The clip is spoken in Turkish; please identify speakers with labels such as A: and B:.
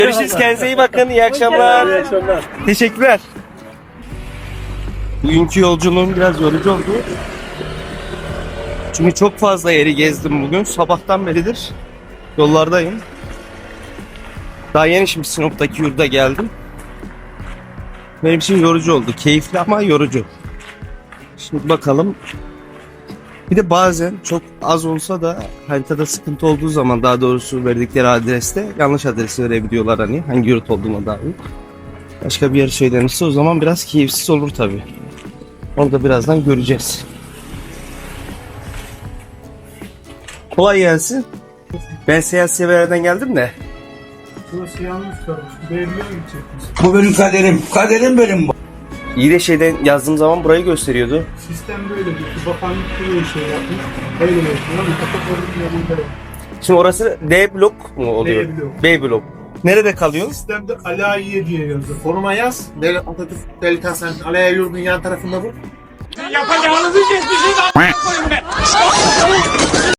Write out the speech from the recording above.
A: Görüşürüz. Kendinize iyi bakın. İyi akşamlar.
B: İyi akşamlar.
A: Teşekkürler. Bugünkü yolculuğum biraz yorucu oldu. Çünkü çok fazla yeri gezdim bugün. Sabahtan beridir yollardayım. Daha yeni şimdi Sinop'taki yurda geldim. Benim için yorucu oldu. Keyifli ama yorucu. Şimdi bakalım. Bir de bazen çok az olsa da haritada sıkıntı olduğu zaman, daha doğrusu verdikleri adreste yanlış adresi verebiliyorlar, hani hangi yurt olduğuna dair. Başka bir yer söylenirse o zaman biraz keyifsiz olur tabii. Onu da birazdan göreceğiz. Kolay gelsin. Ben Seyahat Sever'den geldim de.
B: Burası yanlış kalmış. Belli gidecekmiş.
C: Bu benim kaderim. Kaderim benim bu.
A: İyi de şeyden yazdığım zaman burayı gösteriyordu.
B: Sistem böyle bir bakanlık böyle şey yapmış. Öyle yapıyor. Ama kapatalım yanında.
A: Şimdi orası D blok mu oluyor?
B: D blok.
A: B blok. Nerede kalıyorsun?
B: Sistemde Alayiye diye yazıyor. Foruma yaz. Devlet Atatürk Devlet Hastanesi Alayiye yurdun yan tarafında bu.
D: Yapacağınızı kesmişsiniz a**ına koyun be.